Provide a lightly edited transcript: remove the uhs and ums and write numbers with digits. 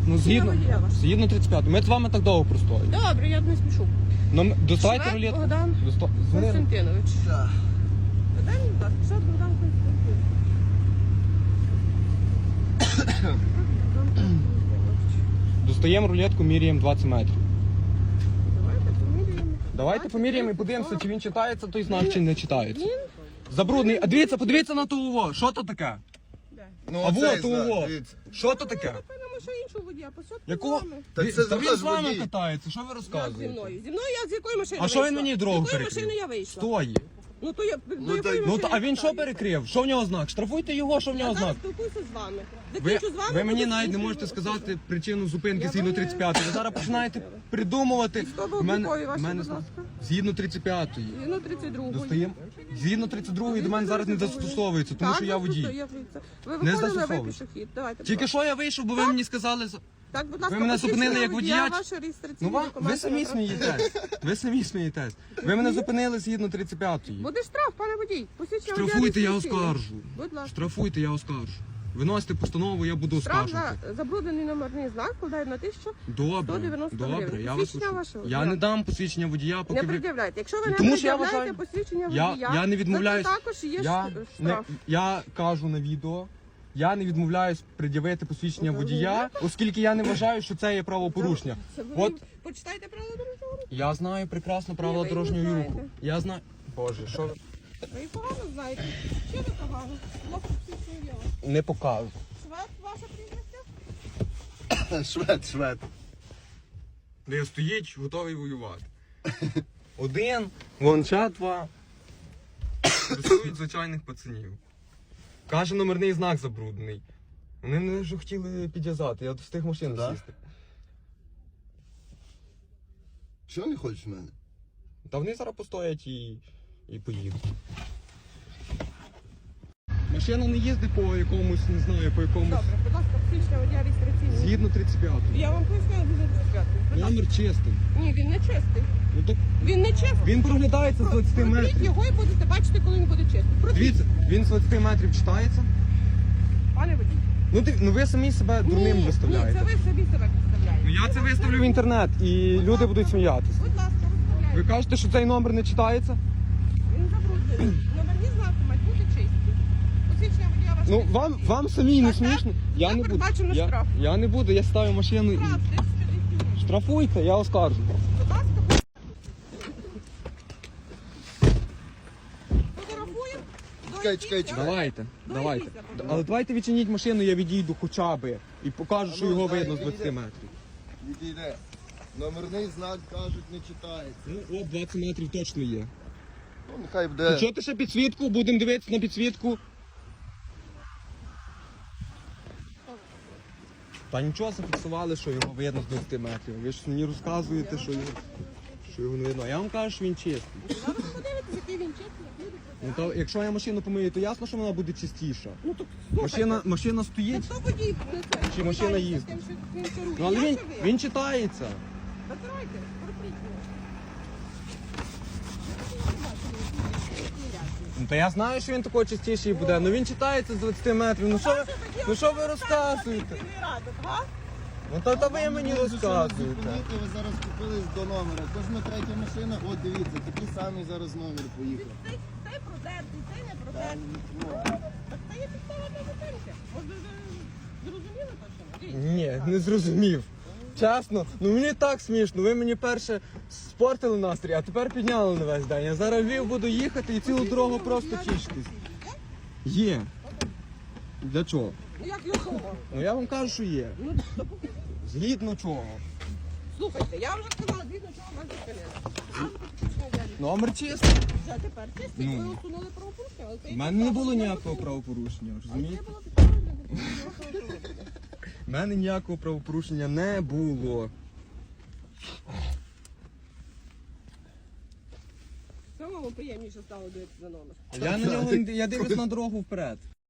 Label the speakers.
Speaker 1: Ну, згідно 35. Ми з вами так довго простоїмо.
Speaker 2: Добре, я не спішу.
Speaker 1: Ну, доставайте
Speaker 2: Швед
Speaker 1: рулетку.
Speaker 2: Богдан Константинович.
Speaker 3: Так.
Speaker 2: Дай мені, будь ласка, Швед Богдан Константинович.
Speaker 1: Достаємо рулетку, міряємо 20 метрів.
Speaker 2: Давайте поміряємо.
Speaker 1: Давайте поміряємо і подивимося, чи він читається той знак, чи не читається.
Speaker 2: Він?
Speaker 1: Забрудний. А дивіться, подивіться на того. Що то таке?
Speaker 2: Де?
Speaker 3: Ну,
Speaker 1: А
Speaker 3: оцей
Speaker 1: вот того.
Speaker 3: знак, дивіться.
Speaker 1: Що то таке?
Speaker 2: Напевно, що іншого водія. Посадку
Speaker 1: Якого?
Speaker 2: з вами.
Speaker 3: Так це
Speaker 1: Та він
Speaker 3: теж
Speaker 1: з вами
Speaker 3: водій.
Speaker 1: катається, що ви
Speaker 2: Як зі
Speaker 1: розказуєте?
Speaker 2: мною? Зі мною я з якої машини
Speaker 1: А що він
Speaker 2: вийшла?
Speaker 1: мені дорогу
Speaker 2: З якої
Speaker 1: перекрив?
Speaker 2: машини я вийшла?
Speaker 1: Стої.
Speaker 2: Ну то я до якої
Speaker 3: так-
Speaker 1: Ну,
Speaker 2: машини
Speaker 1: а він що
Speaker 2: питаєте?
Speaker 1: перекрив? Що в нього знак? Штрафуйте його, що в нього
Speaker 2: Я зараз
Speaker 1: знак?
Speaker 2: спілкуюся з вами.
Speaker 1: Ви,
Speaker 2: Закінчу з вами.
Speaker 1: ви мені
Speaker 2: буду
Speaker 1: навіть не
Speaker 2: іншою
Speaker 1: можете
Speaker 2: особою.
Speaker 1: сказати причину зупинки
Speaker 2: Я
Speaker 1: згідно
Speaker 2: вам не-
Speaker 1: 35. Ви зараз починаєте придумувати.
Speaker 2: Військово-облікові ваші, будь ласка.
Speaker 1: Згідно 35-ї.
Speaker 2: Згідно 32.
Speaker 1: Достаємо. Згідно 32-ї до мене зараз не застосовується, тому що я водій.
Speaker 2: Ви
Speaker 1: Не
Speaker 2: виходили, ви
Speaker 1: застосовується.
Speaker 2: пішохід. Давайте.
Speaker 1: Тільки що я вийшов, бо ви мені сказали...
Speaker 2: Так, будь ласка,
Speaker 1: ви мене
Speaker 2: посвідчення
Speaker 1: зупинили як водія?
Speaker 2: Ваші
Speaker 1: Ну
Speaker 2: реєстраційні
Speaker 1: вам,
Speaker 2: документи
Speaker 1: ви самі
Speaker 2: на транспорт.
Speaker 1: смієтесь. Ви самі смієтесь. Ви мене зупинили згідно 35-ї.
Speaker 2: Буде штраф, пане водій. Посвідчення водія
Speaker 1: Штрафуйте, я
Speaker 2: реєстраційне.
Speaker 1: оскаржу.
Speaker 2: Будь ласка.
Speaker 1: Штрафуйте, я оскаржу. Виносите постанову, я буду
Speaker 2: Штраф
Speaker 1: оскаржувати.
Speaker 2: за забруднений номерний знак складає на 1000.
Speaker 1: Добре,
Speaker 2: 190
Speaker 1: добре,
Speaker 2: гривень.
Speaker 1: я вас
Speaker 2: Посвідчення
Speaker 1: слухаю.
Speaker 2: ваше?
Speaker 1: Я
Speaker 2: Я.
Speaker 1: не дам посвідчення водія, поки
Speaker 2: Не
Speaker 1: ви...
Speaker 2: пред'являйте. Якщо ви не
Speaker 1: Тому що я
Speaker 2: пред'являєте
Speaker 1: вважаю-
Speaker 2: посвідчення
Speaker 1: Я,
Speaker 2: водія,
Speaker 1: я не відмовляюсь.
Speaker 2: то також є
Speaker 1: Я,
Speaker 2: штраф.
Speaker 1: я кажу на відео, я не відмовляюсь пред'явити посвідчення водія, оскільки я не вважаю, що це є правопорушення.
Speaker 2: Це ви
Speaker 1: От
Speaker 2: почитайте правила дорожнього руху.
Speaker 1: я знаю прекрасно правила
Speaker 2: Ні, ви їх не
Speaker 1: дорожнього руху.
Speaker 2: знаєте.
Speaker 1: Я знаю. Боже, що ви
Speaker 2: Ви їх погано знаєте. Що ви погано? Ловко посвідчення діла.
Speaker 1: не покажу.
Speaker 2: Швед, ваше прізвище?
Speaker 3: Швед.
Speaker 1: Де стоїть, готовий воювати. Один, вон ще два. Рисують звичайних пацанів. Каже, номерний знак забруднений. Вони мене вже хотіли підв'язати, я встиг машину
Speaker 3: Да?
Speaker 1: сісти.
Speaker 3: Чого не хочеш в мене?
Speaker 1: Та вони зараз постоять і поїдуть. Машина не їздить по якомусь, не знаю, по якомусь.
Speaker 2: Добре, будь ласка, посвідчення водія реєстраційне.
Speaker 1: Згідно 35-го.
Speaker 2: Я вам поясню, дуже дискретно.
Speaker 1: Номер чистий.
Speaker 2: Ні, він не чистий.
Speaker 1: Ну так
Speaker 2: Він не чистий.
Speaker 1: він проглядається з 20
Speaker 2: Протріть
Speaker 1: метрів.
Speaker 2: його і будете бачити, коли він буде чистий. Протріть,
Speaker 1: Дивіться, він з 20 метрів читається.
Speaker 2: пане водій.
Speaker 1: Ну ви самі себе дурним
Speaker 2: Ні,
Speaker 1: виставляєте.
Speaker 2: це ви собі себе представляєте.
Speaker 1: Ну я це виставлю в інтернет і люди будуть сміятися.
Speaker 2: Будь ласка,
Speaker 1: Ви
Speaker 2: виставляйте.
Speaker 1: кажете, що цей номер не читається?
Speaker 2: Він забруднений. Номерні знаки мають бути чисті. Посвідчення водія ваше.
Speaker 1: Ну вам самі не
Speaker 2: Так, так.
Speaker 1: смішно. Я
Speaker 2: Це
Speaker 1: не буду.
Speaker 2: передбачено штраф.
Speaker 1: Я не буду, я ставлю машину і
Speaker 2: Штраф 1200 гривень.
Speaker 1: штрафуйте, я оскаржу.
Speaker 2: Будь ласка, фотографуємо.
Speaker 3: Чекай.
Speaker 1: Давайте.
Speaker 2: Давайте.
Speaker 1: Але давайте відчиніть машину, я відійду хоча б і покажу, що його видно з 20 метрів.
Speaker 3: Відійде. Номерний знак, кажуть, не читається.
Speaker 1: Ну, 20 метрів точно є.
Speaker 3: Ну, нехай буде.
Speaker 1: Що ти ще підсвітку? Будемо дивитися на підсвітку. Та нічого зафіксували, що його видно з 20 метрів. Ви ж мені розказуєте, що його не видно. А я вам кажу, що він чистий.
Speaker 2: Зараз ви подивитесь, який він чистий, як люди.
Speaker 1: Ну, то, якщо я машину помию, то ясно, що вона буде чистіша.
Speaker 2: Ну так слухайте.
Speaker 1: Машина стоїть,
Speaker 2: Хто водій несе?
Speaker 1: Чи машина
Speaker 2: Питається
Speaker 1: їздить?
Speaker 2: тим, що він керує.
Speaker 1: ну, але
Speaker 2: Я
Speaker 1: він,
Speaker 2: чи ви?
Speaker 1: він читається.
Speaker 2: Витирайте, протріть його.
Speaker 1: Ну, та я знаю, що він такий чистіший буде, ну він читається з 20 метрів. Ну що ви розказуєте? Ну та ви мені розказуєте.
Speaker 3: Зупинити, ви зараз купились до номера. Кожна третя машина, от дивіться, такий самий зараз номер поїхав.
Speaker 2: Цей продертий, цей не
Speaker 3: Та,
Speaker 2: продертий.
Speaker 3: ну,
Speaker 2: Так це є підстава для зупинки. Може, ви зрозуміли точно?
Speaker 1: Ні, не зрозумів. Чесно, ну мені так смішно. Ви мені перше спортили настрій, а тепер підняли на весь день. Я зараз в Львів буду їхати і цілу дорогу просто тішитись. Є. Для чого?
Speaker 2: Ну як його?
Speaker 1: Ну я вам кажу, що є.
Speaker 2: Ну, то покажіть.
Speaker 1: Згідно чого?
Speaker 2: Слухайте, я вже сказала, звідно, чого вас зупинили.
Speaker 1: Номер чистий.
Speaker 2: Вже тепер чистий,
Speaker 1: Ну.
Speaker 2: ви усунули правопорушення, але це
Speaker 1: У мене не було ніякого правопорушення,
Speaker 2: Це
Speaker 1: розумієте?
Speaker 2: було підставою для правопорушення.
Speaker 1: У мене ніякого правопорушення не було.
Speaker 2: Самому приємніше стало дивитися за номер.
Speaker 1: Я дивлюсь на дорогу вперед.